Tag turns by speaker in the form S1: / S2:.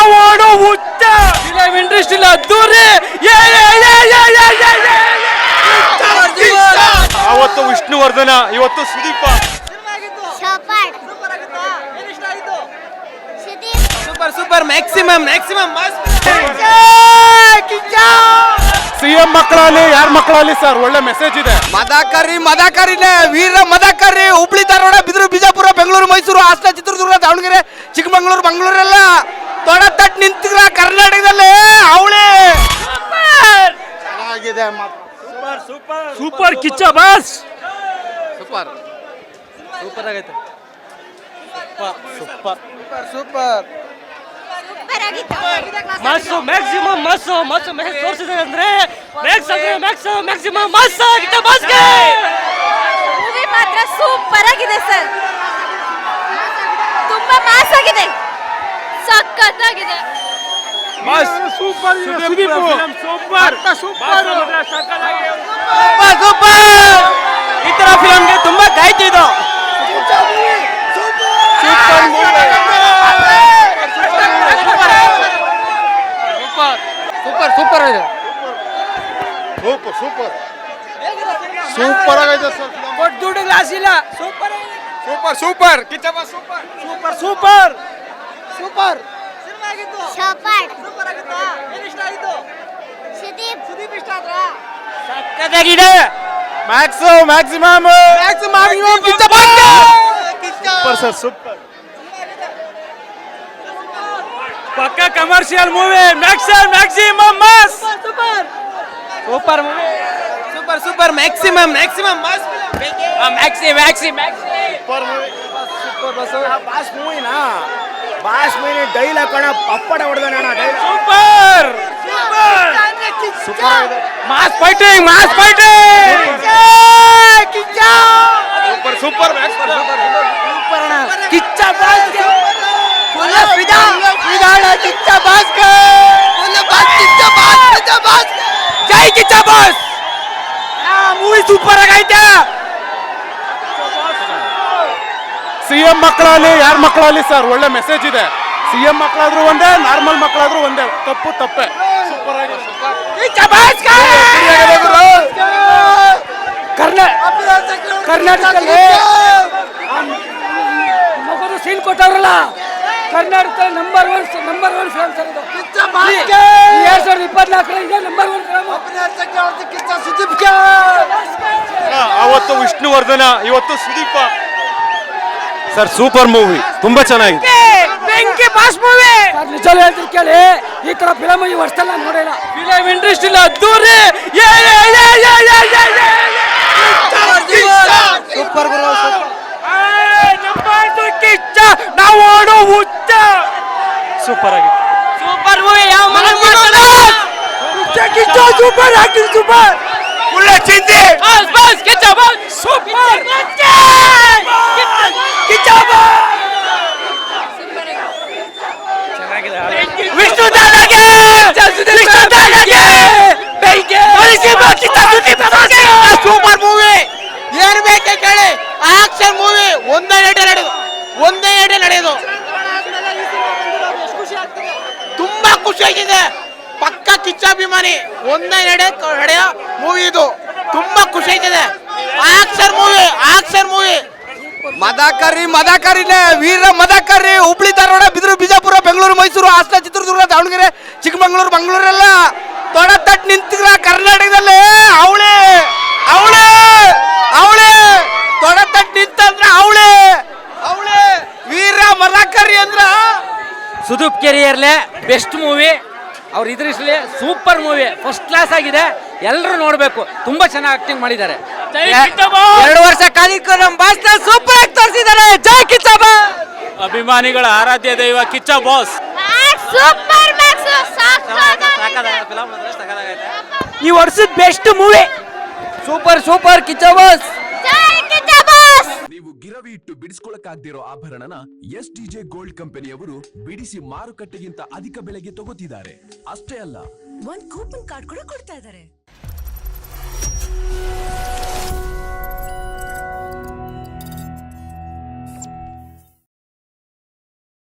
S1: ನಾವು ಆಡೋ ಹುಚ್ಚ ಫಿಲಂ ಇಂಡಸ್ಟ್ರಿ ಅದ್ದೂರಿ
S2: ಅವತ್ತು ವಿಷ್ಣುವರ್ಧನ, ಇವತ್ತು Sudeepa.
S1: Super super maximum
S2: CM ಮಕ್ಕಳಲ್ಲಿ ಯಾರ ಮಕ್ಕಳಲ್ಲಿ ಸರ್ ಒಳ್ಳೆ ಮೆಸೇಜ್ ಇದೆ.
S1: ಮದಕರಿನೇ ವೀರ ಮದಕರಿ. ಹುಬ್ಳಿ ಧಾರವಾಡ ಬಿದಿರು ಬಿಜಾಪುರ ಬೆಂಗಳೂರು ಮೈಸೂರು ಹಾಸನ ಚಿತ್ರದುರ್ಗ ದಾವಣಗೆರೆ ಚಿಕ್ಕಮಂಗ್ಳೂರು ಮಂಗಳೂರೆಲ್ಲ ತೊಡತಟ್ಟು ನಿಂತಿರ ಕರ್ನಾಟಕದಲ್ಲಿ ಅವಳಿ
S2: ಚೆನ್ನಾಗಿದೆ.
S1: ಸೂಪರ್ ಕಿಚ್ಚ ಬಾಸ್ ಸೂಪರ್ ಆಗೈತೆ. Super mass maximum mass message ತೋರಿಸಿದೆ ಅಂದ್ರೆ ಮ್ಯಾಕ್ಸಿಮಮ್ ಮಸ್ಸು ಆಗಿತ್ತು ಬಾಸ್ಗೆ.
S3: ಮೂವಿ ಮಾತ್ರ ಸೂಪರ್ ಆಗಿದೆ ಸರ್, ತುಂಬಾ ಮಾಸ್ ಆಗಿದೆ, ಸಖತ್ತಾಗಿದೆ.
S2: ಸೂಪರ್
S1: ಈ ತರ ಫಿಲಂಗೆ ತುಂಬಾ ಕಾಯ್ತಿದ್ದು. ಸೂಪರ್ ಇದೆ.
S2: ಸೂಪರ್ ಆಗೈತೆ ಸರ್.
S1: ಕೊಟ್ಟು ದುಡ್ಡು ಗ್ಲಾಸ್ ಇಲ್ಲ. ಸೂಪರ್ ಕಿಚ್ಚ ಬಾಸ್ ಸೂಪರ್ ಸಕ್ಕತ್ತಾಗಿದೆ.
S2: Maximum
S1: Kiccha boss
S2: super sir. Super
S1: ಪಕ್ಕ commercial movie. Maximum mass super movie. Super maximum mass
S2: boss ಮೂವಿನ ಡೈಲಾಗ್ ಕಣ ಪಪ್ಪಡ ಹೊಡೆದಾನ.
S1: Super mass fighting super Kiccha boss ಜೈ ಕಿಚ್ಚ ಬಾಸ್. ಮೂವಿ ಸೂಪರ್ ಆಗೈತೆ.
S2: ಸಿಎಂ ಮಕ್ಕಳಲ್ಲಿ ಯಾರ ಮಕ್ಕಳಲ್ಲಿ ಸರ್ ಒಳ್ಳೆ ಮೆಸೇಜ್ ಇದೆ. ಸಿಎಂ ಮಕ್ಕಳಾದ್ರೂ ಒಂದೇ, ನಾರ್ಮಲ್ ಮಕ್ಕಳಾದ್ರೂ ಒಂದೇ. ತಪ್ಪೆ ಸೂಪರ್ ಆಗಿದೆ.
S1: ಕರ್ನಾಟಕದಲ್ಲಿ ಮಗದು ಸೀನ್ ಕೊಟ್ಟವ್ರಲ್ಲ, Karnataka number one film sir ಇದು. 2024 ಇದೆ ನಂಬರ್ 1 ಫಿಲಂ.
S2: ಅವತ್ತು ವಿಷ್ಣುವರ್ಧನ, ಇವತ್ತು ಸುದೀಪ. ಸರ್ ಸೂಪರ್ ಮೂವಿ, ತುಂಬಾ ಚೆನ್ನಾಗಿದೆ.
S1: ಬೆಂಕಿ ಬಾಸ್ ಮೂವಿ. ನಿಜ ಹೇಳ್ತೀನಿ ಕೇಳಿ, ಈ ತರ ಫಿಲಂ ಈ ವರ್ಷದಲ್ಲಿ ನಾನು ನೋಡಿಲ್ಲ. ಫಿಲಂ ಇಂಡಸ್ಟ್ರಿ ಅದ್ದೂರಿ ಸೂಪರ್ ಕಿಚ್ಚ ನಾವು ಆಡೋ ಹುಚ್ಚ.
S2: ಸೂಪರ್ ಆಗಿತ್ತು.
S1: Super movie. ಯಾವ ಕಿಚ್ಚ ಸೂಪರ್ ಆಕ್ಟಿಂಗ್ ಸೂಪರ್.
S2: ಒಳ್ಳೆ ಚಿಂತೆ.
S1: Boss Kiccha boss super Kiccha boss. Vishnu ದಾದಾಗೆ ಸೂಪರ್ ಮೂವಿ. ಏನ್ ಬೇಕೆ ಕೇಳಿ. ಆಕ್ಷನ್ ಮೂವಿ ಒಂದೇ ನಡೆಯೋದು. ತುಂಬಾ ಖುಷಿ ಆಗಿದೆ. ಪಕ್ಕ ಕಿಚ್ಚಾಭಿಮಾನಿ. ಒಂದೇ ನಡೆಯೋ ಮೂವಿ ಇದು. ತುಂಬಾ ಖುಷಿ ಆಗಿದೆ. Action movie. ಮದಕರಿನೇ ವೀರ ಮದಕರಿ. ಹುಬ್ಳಿ ಧಾರವಾಡ ಬಿದಿರು ಬಿಜಾಪುರ ಬೆಂಗಳೂರು ಮೈಸೂರು ಹಾಸನ ಚಿತ್ರದುರ್ಗ ದಾವಣಗೆರೆ ಚಿಕ್ಕಮಂಗ್ಳೂರು ಮಂಗಳೂರೆಲ್ಲ ತೊಡತಟ್ಟು ನಿಂತಿರ ಕರ್ನಾಟಕದಲ್ಲಿ ಅವಳಿ ತೊಡತಟ್ಟು ನಿಂತಂದ್ರ ಅವಳಿ ವೀರ ಮದಕರಿ ಅಂದ್ರ ಸುದೀಪ್ ಕೆರಿಯರ್ಲೆ ಬೆಸ್ಟ್ ಮೂವಿ. ಅವ್ರ ಇದ್ರಲ್ಲಿ ಸೂಪರ್ ಮೂವಿ, ಫಸ್ಟ್ ಕ್ಲಾಸ್ ಆಗಿದೆ. ಎಲ್ಲರೂ ನೋಡ್ಬೇಕು. ತುಂಬಾ ಚೆನ್ನಾಗಿ ಆಕ್ಟಿಂಗ್ ಮಾಡಿದ್ದಾರೆ. 2 ವರ್ಷ ಕಾಲಿಕ ನಮ್ಮ ಬಾಸ್ ಸೂಪರ್ ಆಗಿ ತೋರಿಸಿದ್ದಾರೆ. ಜೈ ಕಿಚ್ಚ ಬಾಸ್.
S2: ಅಭಿಮಾನಿಗಳ ಆರಾಧ್ಯ ದೈವ ಕಿಚ್ಚ ಬಾಸ್.
S1: ಈ ವರ್ಷದ best movie. Super Kiccha boss.
S4: ನೀವು ಗಿರವಿ ಇಟ್ಟು ಬಿಡಿಸ್ಕೊಳಕ್ಕಾಗ್ದಿರೋ ಆಭರಣನ SDJ ಗೋಲ್ಡ್ ಕಂಪನಿಯವರು ಬಿಡಿಸಿ ಮಾರುಕಟ್ಟೆಗಿಂತ ಅಧಿಕ ಬೆಲೆಗೆ ತಗೋತಿದ್ದಾರೆ. ಅಷ್ಟೇ ಅಲ್ಲ,
S3: ಒಂದು ಕೂಪನ್ ಕಾರ್ಡ್ ಕೂಡ ಕೊಡ್ತಾ ಇದ್ದಾರೆ.